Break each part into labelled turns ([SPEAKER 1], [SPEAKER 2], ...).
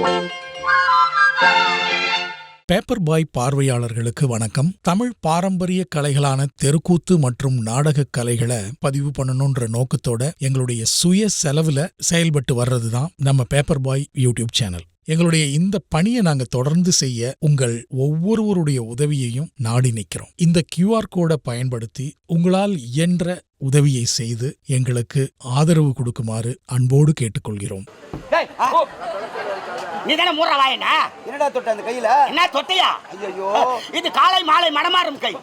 [SPEAKER 1] Paper பாய் பார்வையாளர்களுக்கு வணக்கம். தமிழ் பாரம்பரிய கலைகளான தெருக்கூத்து மற்றும் நாடக கலைகளை பதிவு பண்ணணும்ன்ற நோக்கத்தோட எங்களுடைய சுய செலவுல செயல்பட்டு வர்றதுதான் நம்ம பேப்பர் பாய் யூடியூப் சேனல். எங்களுடைய இந்த பணியை நாங்க தொடர்ந்து செய்ய உங்கள் ஒவ்வொருவருடைய உதவியையும் நாடி நிற்கிறோம். இந்த QR கோடை பயன்படுத்தி உங்களால் இயன்ற உதவியை செய்து எங்களுக்கு ஆதரவு கொடுக்குமாறு அன்போடு கேட்டுக்கொள்கிறோம்.
[SPEAKER 2] நீதானே மூற வாயனா?
[SPEAKER 3] என்னடா தொட்ட அந்த கையில?
[SPEAKER 2] என்ன தொட்டையா?
[SPEAKER 3] ஐயோ,
[SPEAKER 2] இது காலை மாலை மடமாறும் கை.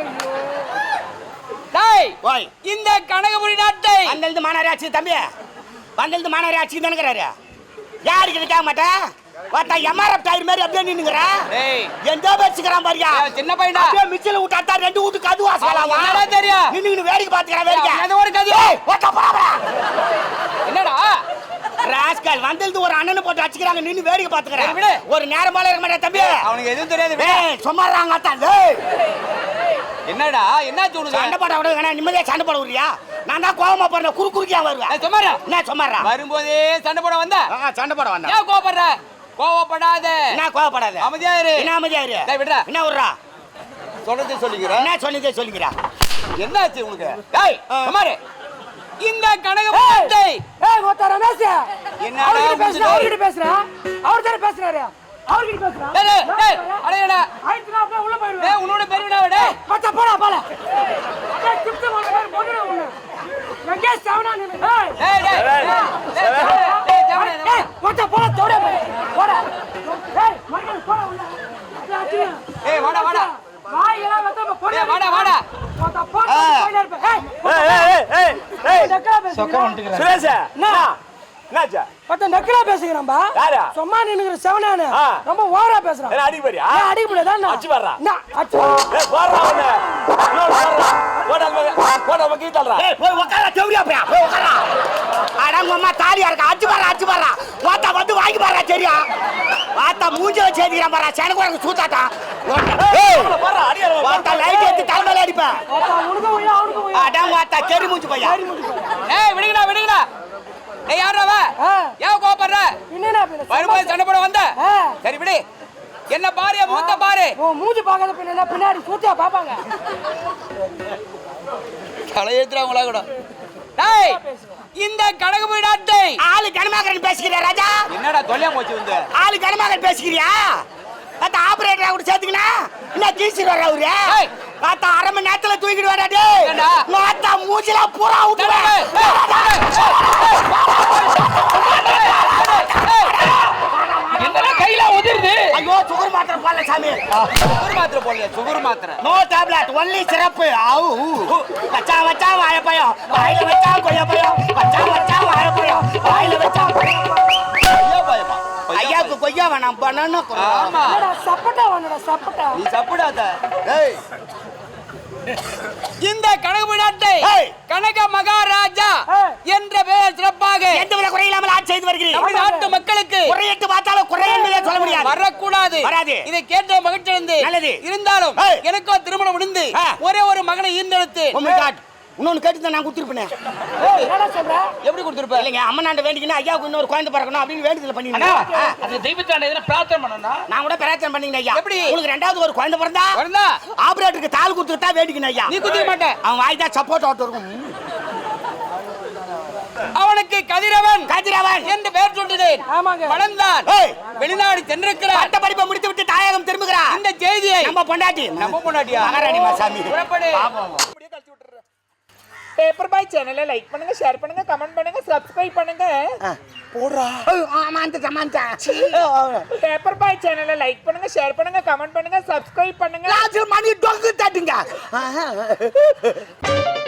[SPEAKER 4] டேய்,
[SPEAKER 2] ஓய்,
[SPEAKER 4] இந்த கனகபுரி நாட்டை
[SPEAKER 2] வந்திருந்து மாநகராட்சி தம்பி, வந்திருந்து மாநகராட்சி தானுங்கிறாரு. யாருக்கு இருக்க மாட்டேன் பார்த்தா எம்ஆர்எஃப் டயர் மாதிரி அப்படியே நின்னுங்கறா.
[SPEAKER 4] டேய்,
[SPEAKER 2] எந்த பேச்சுக்கறான் பாரியா?
[SPEAKER 4] சின்ன பையனா
[SPEAKER 2] அப்படியே மிச்சல விட்டாட்டா ரெண்டு வீட்டுக்கு அது வாசலாமா?
[SPEAKER 4] என்னடா தெரியும்?
[SPEAKER 2] நின்னு வேடிக்கை பாத்துக்கறா வேடிக்கை.
[SPEAKER 4] அது ஒரு கதி.
[SPEAKER 2] ஏய், ஓட்ட போறா.
[SPEAKER 4] என்னடா
[SPEAKER 2] ராஸ்கல் வந்திருந்து ஒரு அண்ணனை போட்டு அடிச்சுக்கறாங்க, நின்னு வேடிக்கை பாத்துக்கறா.
[SPEAKER 4] விடு.
[SPEAKER 2] ஒரு நேரமால இருக்க மாட்டே தம்பி.
[SPEAKER 4] அவனுக்கு எதுவும் தெரியாது.
[SPEAKER 2] ஏய், சும்மாறாங்க அத்தான். ஏய்,
[SPEAKER 4] என்னடா என்னாச்சு உனக்கு?
[SPEAKER 2] சண்டை போட விட வேணா, நிம்மதியா சண்டை போட விடுறியா? நான் தான் கோவமா போறேன், குறுக்கியா வருவேன்.
[SPEAKER 4] சும்மாரா
[SPEAKER 2] என்ன சும்மாறா?
[SPEAKER 4] வரும்போதே சண்டை போட வந்த?
[SPEAKER 2] சண்டை போட வந்தா.
[SPEAKER 4] ஏன் கோவப்படுற? கோவப்படாத.
[SPEAKER 2] என்ன கோவப்படாத?
[SPEAKER 4] அமைதியா இரு.
[SPEAKER 2] என்ன அமைதியா இரு?
[SPEAKER 4] டேய் விடுடா.
[SPEAKER 2] என்ன விடுறா?
[SPEAKER 3] சொல்றதே சொல்லிக்கிறேன்.
[SPEAKER 2] என்ன சொல்லிக்கிறா?
[SPEAKER 3] என்னாச்சு உனக்கு?
[SPEAKER 4] டேய், சும்மாரு. இந்த கனகபுரி நாட்டை
[SPEAKER 5] ஏய் மொத்த ரமேஷ்,
[SPEAKER 4] என்னடா
[SPEAKER 5] அவர்கிட்ட பேசுறா? அவர் தான பேசுறாரு. அவர்கிட்ட பேசுறா?
[SPEAKER 4] டேய் டேய், அடேடா.
[SPEAKER 5] ஆயிடுச்சுனா அப்படியே உள்ள போயிடுவே.
[SPEAKER 4] டேய், உன்னோட பெரியடா டேய்.
[SPEAKER 5] மொத்த போடா போல. டேய் கிப்ட் போடுற உள்ள. எங்க சவனா நின்னு? ஏய்
[SPEAKER 4] டேய் டேய். டேய் ஜவனே.
[SPEAKER 5] ஏய் மொத்த போடா தோட போடா. ஏய் மொத்த போடா உள்ள.
[SPEAKER 4] ஏய் வாடா வாடா.
[SPEAKER 5] வாயில மொத்த போடா.
[SPEAKER 4] ஏய் வாடா வாடா.
[SPEAKER 5] மொத்த போடா போயில இருப்ப. ஏய் டக்கலா பேசு. சொக்க வந்துங்கற.
[SPEAKER 3] சுரேஷ்,
[SPEAKER 5] என்ன?
[SPEAKER 3] என்னாச்சு?
[SPEAKER 5] மொத்த நக்கலா பேசுறேன்பா.
[SPEAKER 3] யாரா?
[SPEAKER 5] சும்மா நின்னுங்கற செவனானே. ரொம்ப ஓவரா பேசுறான்.
[SPEAKER 3] என்ன அடி போறியா?
[SPEAKER 5] ஏய் அடி முடியதா?
[SPEAKER 3] அடிச்சு வர்றா.
[SPEAKER 5] என்ன அடிச்சு?
[SPEAKER 3] ஏய் போறா அவனே. போடா வக்கீட்டல்றா.
[SPEAKER 2] ஏய் போய் உட்கார தேவரியா போய். போய் உட்கார. அடங்கம்மா தாலியா இருக்க. அடிச்சு வர்றா. வாத்தா வந்து வாங்கி பாறா சரியா? வாத்தா மூஞ்சில சேதிக்கறான் பாறா. சேனக்கு சூத்தாட்டா. ஏய்
[SPEAKER 3] போறா அடியா.
[SPEAKER 2] வாத்தா லைட் ஏத்தி தலைமையில அடிப்ப.
[SPEAKER 5] உனக்கு போய் அவனுக்கு போய்.
[SPEAKER 2] அடங்க வாத்தா கேரி மூஞ்சி பையா.
[SPEAKER 4] ஏய் விடுங்கடா. ஏய் யாரா வா? ஏன் கோபப்படுற?
[SPEAKER 5] என்னடா பேசு?
[SPEAKER 4] வரும்போது சண்டை போட வந்த? சரி விடு. என்ன பாரு, மூத்த பாரு.
[SPEAKER 5] ஓ மூஞ்சி பார்க்காத பின்ன பின்னாடி சூத்தியா பாப்பாங்க.
[SPEAKER 4] தலையேத்துறவங்களா கூட. டேய், இந்த கனகபுரி நாட்டை
[SPEAKER 2] ஆளு கனமாகறன் பேசிக்கிறியா ராஜா?
[SPEAKER 4] என்னடா தொல்லையா போச்சு வந்து?
[SPEAKER 2] ஆளு கனமாகறன் பேசிக்கிறியா? அத ஆபரேட்டரா கூட சேர்த்துக்கினா என்ன கீசிர வர அவரு?
[SPEAKER 4] ஏய்
[SPEAKER 2] பாத்தா அரை மணி நேரத்துல தூக்கிட்டு வரா டேய்.
[SPEAKER 4] ஏண்டா?
[SPEAKER 2] மாத்தா மூஞ்சில பூரா ஊத்துவே.
[SPEAKER 4] என்னடா கையில உதிருது?
[SPEAKER 2] ஐயோ சுகர் மாத்திரை போடல சாமி.
[SPEAKER 4] சுகர் மாத்திரை.
[SPEAKER 2] No tablet only syrup. ஆவு வச்சா வாழைப்பழம் வாயில வச்சா கொய்யாப்பழம் வச்சா வாழைப்பழம் வாயில வச்சா
[SPEAKER 4] ஐயா பயமா.
[SPEAKER 2] ஐயாக்கு கொய்யா வேணாம் பண்ணனு.
[SPEAKER 4] ஆமா.
[SPEAKER 5] என்னடா சப்பட்டா வந்தடா சப்பட்டா.
[SPEAKER 4] நீ சாப்பிடாத.
[SPEAKER 3] ஏய்
[SPEAKER 4] இந்த கனகபுரி நாட்டை
[SPEAKER 2] ஏய்.
[SPEAKER 4] கனக மகாராஜா என்ற பெயர் சிறப்பாக
[SPEAKER 2] எந்த வித குறை இல்லாமல் ஆட்சி செய்து வருகிறீர்கள்.
[SPEAKER 4] நம்முடைய நாட்டு மக்களுக்கு
[SPEAKER 2] குறையிட்டு பார்த்தாலும் குறை என்பதை சொல்ல முடியாது.
[SPEAKER 4] வரக்கூடாது.
[SPEAKER 2] வராது.
[SPEAKER 4] இதை கேட்ட மகிழ்ச்சி அடைந்து
[SPEAKER 2] நல்லது.
[SPEAKER 4] இருந்தாலும்
[SPEAKER 2] ஏய்.
[SPEAKER 4] எனக்கோ திருமணம் முடிந்து ஒரே ஒரு மகனை ஈர்ந்தெடுத்து
[SPEAKER 2] Oh my God. இன்னொன்னு கேட்டு நான் கொடுத்துருப்பேன்.
[SPEAKER 5] ஏய் என்னடா சொல்ற?
[SPEAKER 4] எப்படி கொடுத்துருப்ப?
[SPEAKER 2] இல்லைங்க அம்மனாண்ட வேண்டிக்கினா ஐயாவுக்கு இன்னொரு குழந்தை பிறக்கணும் அப்படின்னு வேண்டுதல் பண்ணிருந்தேன்.
[SPEAKER 4] அது தெய்வத்தாண்ட எதனா பிரார்த்தனை பண்ணனும்.
[SPEAKER 2] நான் கூட பிரார்த்தனை பண்ணிங்க ஐயா.
[SPEAKER 4] எப்படி?
[SPEAKER 2] உங்களுக்கு ரெண்டாவது ஒரு குழந்தை பிறந்தா
[SPEAKER 4] வரதா?
[SPEAKER 2] ஆபரேட்டருக்கு தால் கொடுத்துட்டா வேண்டிக்கணும் ஐயா.
[SPEAKER 4] நீ குத்திர மாட்ட.
[SPEAKER 2] அவன் வாய் தான் சப்போர்ட் ஆட்டு இருக்கும்.
[SPEAKER 4] அவனுக்கு கதிரவன்
[SPEAKER 2] என்று
[SPEAKER 4] பெயர் சொல்லினேன்.
[SPEAKER 5] ஆமாங்க.
[SPEAKER 4] வளர்ந்தான்.
[SPEAKER 2] ஏய்.
[SPEAKER 4] வெளிநாடு சென்றிருக்கிறார்.
[SPEAKER 2] பட்ட படிப்பை முடித்து விட்டு தாயகம் திரும்புகிறார்.
[SPEAKER 4] இந்த செய்தியை
[SPEAKER 2] நம்ம பொண்டாட்டி மகாராணி மாசாமி.
[SPEAKER 4] புறப்படு.
[SPEAKER 6] பேப்பர் பாய் சேனலை லைக் பண்ணுங்க, ஷேர் பண்ணுங்க, கமெண்ட் பண்ணுங்க, சப்ஸ்கிரைப் பண்ணுங்க.
[SPEAKER 2] போடுறா. ஆமாண்டா.
[SPEAKER 6] பேப்பர் பாய் சேனலை லைக் பண்ணுங்க, ஷேர் பண்ணுங்க, கமெண்ட் பண்ணுங்க, சப்ஸ்கிரைப் பண்ணுங்க.
[SPEAKER 2] மணி டொங்கு தட்டுங்க.